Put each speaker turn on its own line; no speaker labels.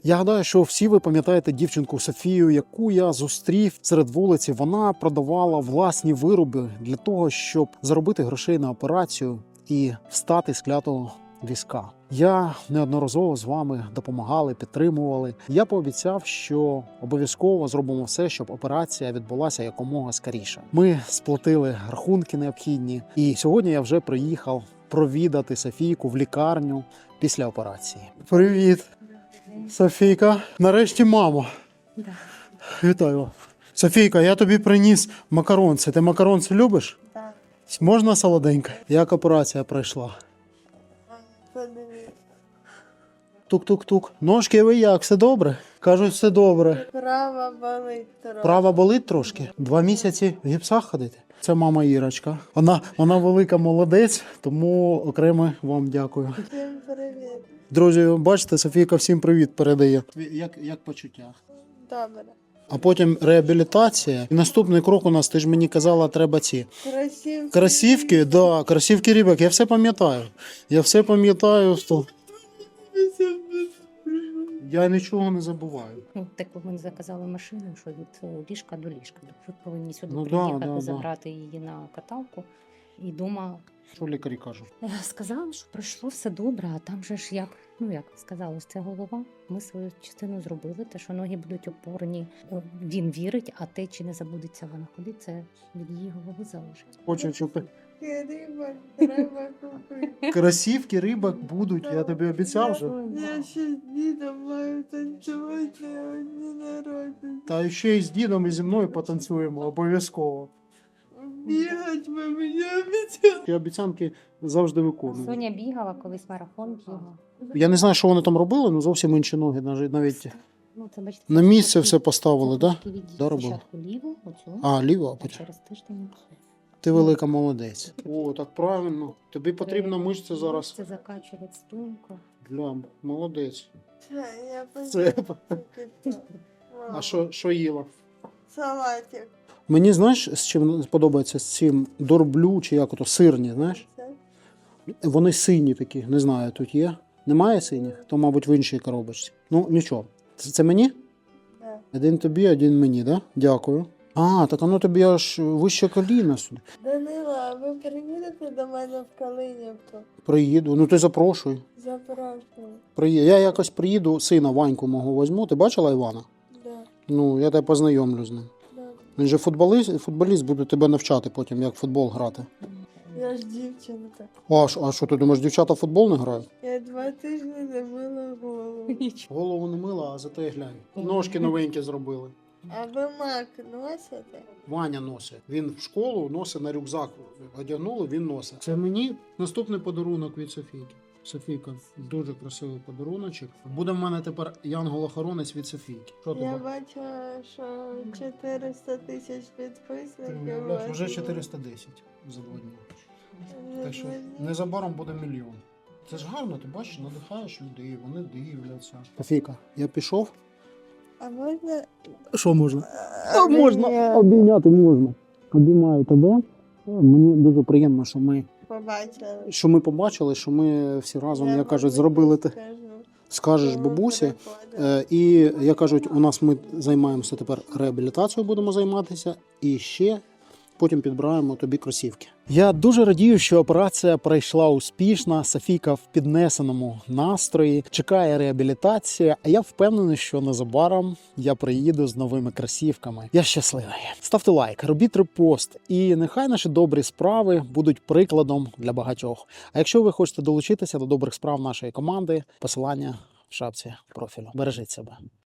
Я гадаю, що всі ви пам'ятаєте дівчинку Софію, яку я зустрів серед вулиці. Вона продавала власні вироби для того, щоб заробити грошей на операцію і встати з клятого візка. Я неодноразово з вами допомагали, підтримували. Я пообіцяв, що обов'язково зробимо все, щоб операція відбулася якомога скоріше. Ми сплатили рахунки необхідні, і сьогодні я вже приїхав провідати Софійку в лікарню після операції. Привіт, Софійка. Нарешті мама.
Да.
Вітаю. Софійка, я тобі приніс макаронці. Ти макаронці любиш?
Так.
Можна солоденько? Як операція пройшла? Тук-тук-тук. Ножки ви як? Все добре? Кажуть, все добре.
Права болить трохи.
Права болить трошки? 2 місяці в гіпсах ходити? Це мама Ірочка. Вона велика молодець, тому окремо вам дякую.
Всім привіт.
Друзі, бачите, Софійка всім привіт передає. Як почуття?
Добре.
А потім реабілітація. І наступний крок у нас, ти ж мені казала, треба ці. Кросівки, да, кросівки Рібок. Я все пам'ятаю. Я нічого не забуваю.
Ну, так ми заказали машину, що від ліжка до ліжка. Ви повинні сюди
Ну, да,
приїхати,
да, да.
забрати її на каталку. І дома
Що лікарі кажуть?
сказали, що пройшло все добре, а там же ж як сказалось, це голова. Ми свою частину зробили, те, що ноги будуть опорні. Він вірить, а те, чи не забудеться вона ходити, це від її голови залежить.
Хочу чути.
Рибок треба купити.
Кросівки Рибок будуть, я тобі обіцяв вже.
Я ще з дідом маю танцювати на дні народження.
Та ще й з дідом і зі мною потанцюємо, обов'язково.
Бігать ви мені обіцяли.
Ті обіцянки завжди виконую.
Соня бігала, колись марафон бігала.
Я не знаю, що вони там робили, але зовсім інші ноги. Навіть
Ну, це, бачите,
на місце все поставили, так?
трошки відійти.
Да, робила?
Спочатку ліву, оцю,
А, ліво, а
а
потім.
через тиждень.
Ти велика молодець. О, так правильно. Тобі потрібна мишця зараз.
Це закачувати спинку.
Глям, молодець.
Я
Це.
почув.
А що їла?
Салатик.
Мені, знаєш, з чим подобається? З цим дорблю, чи як ото, сирні, знаєш?
Це?
Вони сині такі, не знаю, тут є. Немає синіх? То, мабуть, в іншій коробочці. Ну, нічого. Це мені?
Да.
Один тобі, один мені, так? Да? Дякую. А, так воно тобі аж вище коліна сюди.
Данила, ви приїдете до мене в Калинівку?
Приїду. Ну ти запрошуй.
Запрошую.
Я якось приїду, сина Ваньку мого візьму. Ти бачила Івана?
Да.
Ну, я тебе познайомлю з ним.
Да.
Він же футболіст буде тебе навчати потім, як в футбол грати.
Я ж дівчинка.
А що ти думаєш, дівчата в футбол не грають?
Я 2 тижні не мила голову.
Голову не мила, а зате глянь. Ножки новенькі зробили.
А ви мак носите?
Ваня носить. Він в школу носить на рюкзак. Одягнули, він носить. Це мені наступний подарунок від Софійки. Софійка, дуже красивий подаруночок. Буде в мене тепер янгол-охоронець від Софійки. Що
Я
тебе?
бачила, що 400 тисяч
Ти
підписників.
уявляєш, вже 410 за 2 дні. Так що незабаром буде 1 мільйон. Це ж гарно, ти бачиш, надихаєш людей, вони дивляться. Софійка, я пішов.
А можна?
Що можна?
Можна.
Обійняти можна. Обіймаю тебе. Мені дуже приємно, що ми побачили, що ми всі разом, як кажуть, зробили те. Скажеш бабусі. І, як кажуть, ми займаємося тепер реабілітацією, будемо займатися. І ще потім підбираємо тобі кросівки. Я дуже радію, що операція пройшла успішно. Софійка в піднесеному настрої. Чекає реабілітація. А я впевнений, що незабаром я приїду з новими кросівками. Я щасливий. Ставте лайк, робіть репост. І нехай наші добрі справи будуть прикладом для багатьох. А якщо ви хочете долучитися до добрих справ нашої команди, посилання в шапці профілю. Бережіть себе.